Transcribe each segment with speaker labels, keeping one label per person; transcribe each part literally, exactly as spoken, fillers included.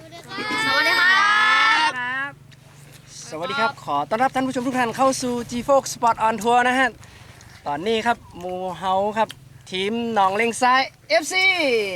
Speaker 1: สวัสดีครับ
Speaker 2: สวัสดีครับขอต้อนรับท่านผู้ชมทุกท่านเข้าสู่ จี โฟร์ Sport on Tour นะฮะตอนนี้ครับหมูเฮาครับทีมหนองเลงซ้าย เอฟ ซี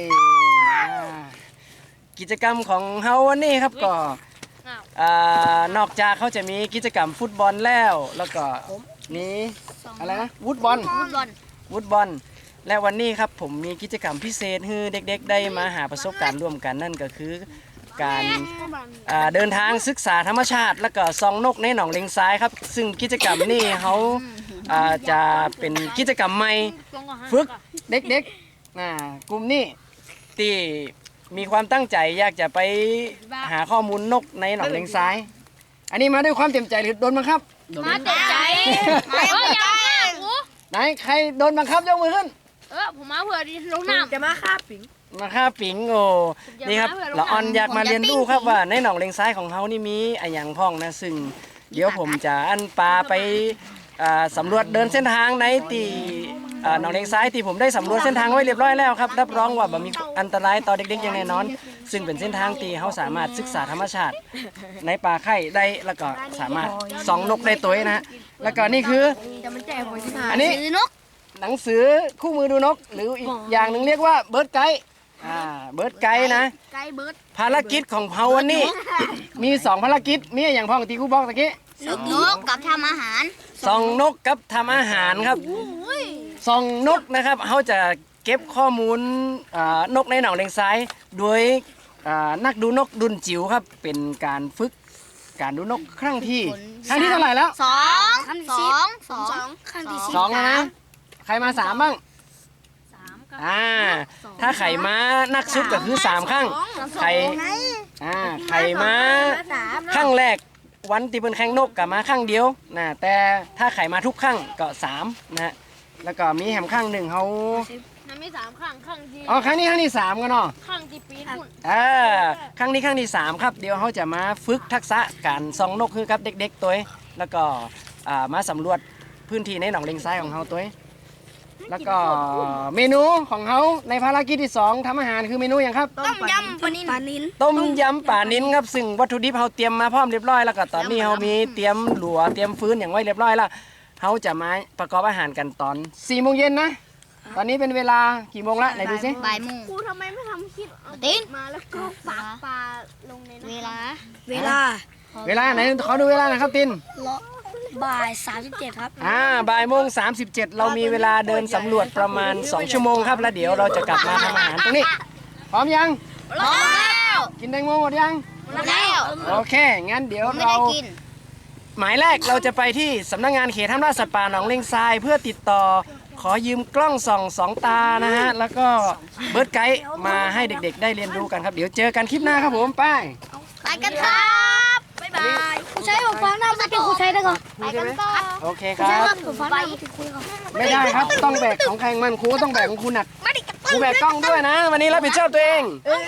Speaker 2: กิจกรรมของเฮาวันนี้ครับก็นอกจากเขาจะมีกิจกรรมฟุตบอลแล้วแล้วก็มีอะไรนะวูดบอล
Speaker 1: ฟุตบอล
Speaker 2: วูดบอลและวันนี้ครับผมมีกิจกรรมพิเศษให้เด็กๆได้มาหาประสบการณ์ร่วมกันนั่นก็คือการเดินทางศึกษาธรรมชาติแล้วก็ส่องนกในหนองเลงซ้ายครับซึ่งกิจกรรมนี้เขาจะเป็นกิจกรรมใหม่ฝึกเด็กๆกลุ่มนี้ที่มีความตั้งใจอยากจะไปหาข้อมูลนกในหนองเลงซ้ายอันนี้มาด้วยความเต็มใจหรือโดนบังคับ
Speaker 1: มาเต็มใจเอออยากมากกู
Speaker 2: ไหนใครโดนบังคับยกมือขึ้น
Speaker 1: เออผมมาเผื่อดิลงน้ำจะมาฆ่าปิง
Speaker 2: มาฆ่าปิงโอ้นี่ครับละออนอยากมาเรียนรู้ครับว่าในหนองเลงซ้ายของเขานี่มีอะไรอย่างพ้องนะซึ่งเดี๋ยวผมจะอันปลาไปสำรวจเดินเส้นทางในตีหนองเลงซ้ายที่ผมได้สำรวจเส้นทางไว้เรียบร้อยแล้วครับรับรองว่าบ่มีอันตรายต่อเด็กๆอย่างแน่นอนซึ่งเป็นเส้นทางที่เขาสามารถศึกษาธรรมชาติในป่าไข่ได้แล้วก็สามารถส่องนกได้ตัวนะแล้วก็นี่คืออันนี้หนังสือคู่มือดูนกหรืออีกอย่างหนึ่งเรียกว่าเบิร์ดไกด์อ่าเบิร์ดไกด์นะภารกิจของเฮาวันนี้มีสองภารกิจมีอย่างพ่องตีกูบอกตะกี้
Speaker 1: ส่องนกกับทำอาหาร
Speaker 2: ส่องนกกับทำอาหารครับส่องนกนะครับเขาจะเก็บข้อมูลนกในหนองเลงซ้ายโดยนักดูนกดุนจิ๋วครับเป็นการฝึกการดูนกครั้งที่ครั้งที่เท่าไหร่แล้ว
Speaker 1: สองสองสองครั้งที่
Speaker 2: สองนะใครมาสามบ้างอ่าถ้าไข่ม้านักสุดก็คือสามครั้งไข่อ่าไข่ม้าครั้งแรกวันที่เป็นแข่งนกกับมาครั้งเดียวนะแต่ถ้าไข่มาทุกครั้งก็สามนะแล้วก็มีแหมครั้งหนึ่งเขา
Speaker 1: มันมีสามครั้งครั้งที่
Speaker 2: อ๋อครั้งนี้ครั้งที่สามกันเนาะ
Speaker 1: ครั้งที่ปีนุ่น
Speaker 2: อ่าครั้งนี้ครั้งที่สามครับเดี๋ยวเขาจะมาฝึกทักษะการส่องนกคือครับเด็กๆตัวแล้วก็มาสำรวจพื้นที่ในหนองเลงซ้ายของเขาตัวแล้วก็เมนูของเขาในภารกิจที่สองทำอาหารคือเมนูอย่างครับ
Speaker 1: ต้มยำปลานิล
Speaker 2: ต้มยำปลานิลครับซึ่งวัตถุดิบเขาเตรียมมาพร้อมเรียบร้อยแล้วก็ตอนนี้เขามีเตรียมหลัวเตรียมฟืนอย่างไว้เรียบร้อยแล้วเขาจะมาประกอบอาหารกันตอนสี่โมงเย็นนะตอนนี้เป็นเวลากี่โมงละไหนดูสิ
Speaker 1: บ่ายโมง
Speaker 3: ครูทำไมไม่ทำคลิป
Speaker 1: ติน
Speaker 3: มาแล้วก็ปักปลาลงใน
Speaker 1: เวลา
Speaker 3: เวลา
Speaker 2: เวลาไหนขอดูเวลาหน่อยครับติน
Speaker 3: บ่ายสามสิบเจ็ดครับ
Speaker 2: อ่าบ่ายโมงสามสิบเจ็ดเรามีเวลาเดินสำรวจประมาณสองชั่วโมงครับแล้วเดี๋ยวเราจะกลับมาทำอาหารตรงนี้พร้อมยัง
Speaker 1: พร้อมแล้ว
Speaker 2: กินแตงโมหมดยัง
Speaker 1: แล้ว
Speaker 2: โอเคงั้นเดี๋ยวเราหมายแรกเราจะไปที่สำนักงานเขตห้ามล่าสัตว์ป่าหนองเลงทรายเพื่อติดต่อขอยืมกล้องส่องสองตานะฮะแล้วก็เบิร์ดไกด์มาให้เด็กๆได้เรียนรู้กันครับเดี๋ยวเจอกันคลิปหน้าครับผมไป
Speaker 1: ไปกันครับบ๊ายบาย
Speaker 3: ครูใช้ผมฟังหน้าสกิลครูใช้ได้ก่อน
Speaker 1: ไปกันก่อน
Speaker 2: โอเคครับไม่ได้ครับต้องแบกของใครมันครูต้องแบกของคุณหนักครูแบกกล้องด้วยนะวันนี้รับผิดชอบตัวเอง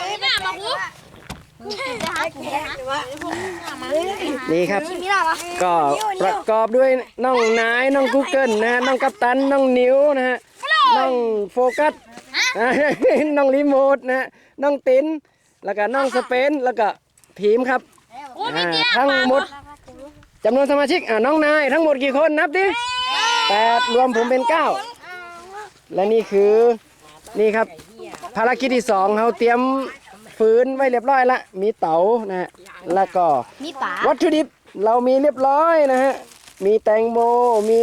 Speaker 2: นี่ครับก็ประกอบด้วยน้องนายน้องกูเกิลนะฮะน้องกัปตันน้องนิ้วนะฮะน้องโฟกัสน้องรีโมทนะฮะน้องตินแล้วก็น้องสเปนแล้วก็ทีมครับทั้งหมดจำนวนสมาชิกอ่าน้องนายทั้งหมดกี่คนนับดิแปดรวมผมเป็นเก้าและนี่คือนี่ครับภารกิจที่สองเขาเตรียมฟืนไว้เรียบร้อยละมีเต๋านะฮะแล้วก็วัตถุดิบเรามีเรียบร้อยนะฮะมีแตงโมมี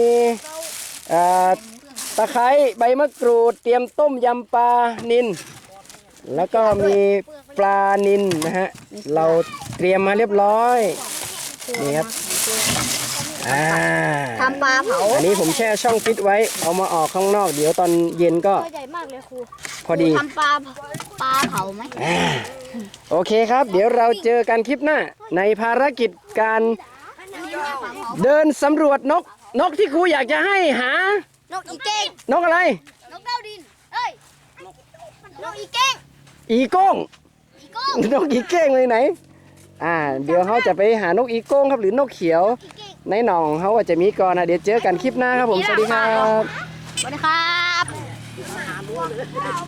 Speaker 2: ตะไคร้ใบมะกรูดเตรียมต้มยำปลานิลแล้วก็มีปลานิลนะฮะเราเตรียมมาเรียบร้อยนี่ครับอ่า
Speaker 1: ทำปลาเผา
Speaker 2: อันนี้ผมแช่ช่องฟิตไว้เอามาออกข้างนอกเดี๋ยวตอนเย็นก็
Speaker 3: ใหญ่มากเลยครู
Speaker 2: พอดี
Speaker 1: ทำปลาปลาเผาไหม
Speaker 2: โอเคครับเดี๋ยวเราเจอกันคลิปหน้าในภารกิจการเดินสำรวจนกนกที่ครูอยากจะให้หาน
Speaker 1: กอีเก้ง
Speaker 2: นกอะไร
Speaker 1: นกเต้าดินเอ้ยนกอีเก้ง
Speaker 2: อีโก้งนกอีเก้งเลยไหนอ่าเดี๋ยวเขาจะไปหานกอีโก้งครับหรือนกเขียวในหนองเขาจะมีก่อนนะเดี๋ยวเจอกันคลิปหน้าครับผมสวัสดีครับ
Speaker 1: สวัสดีครับ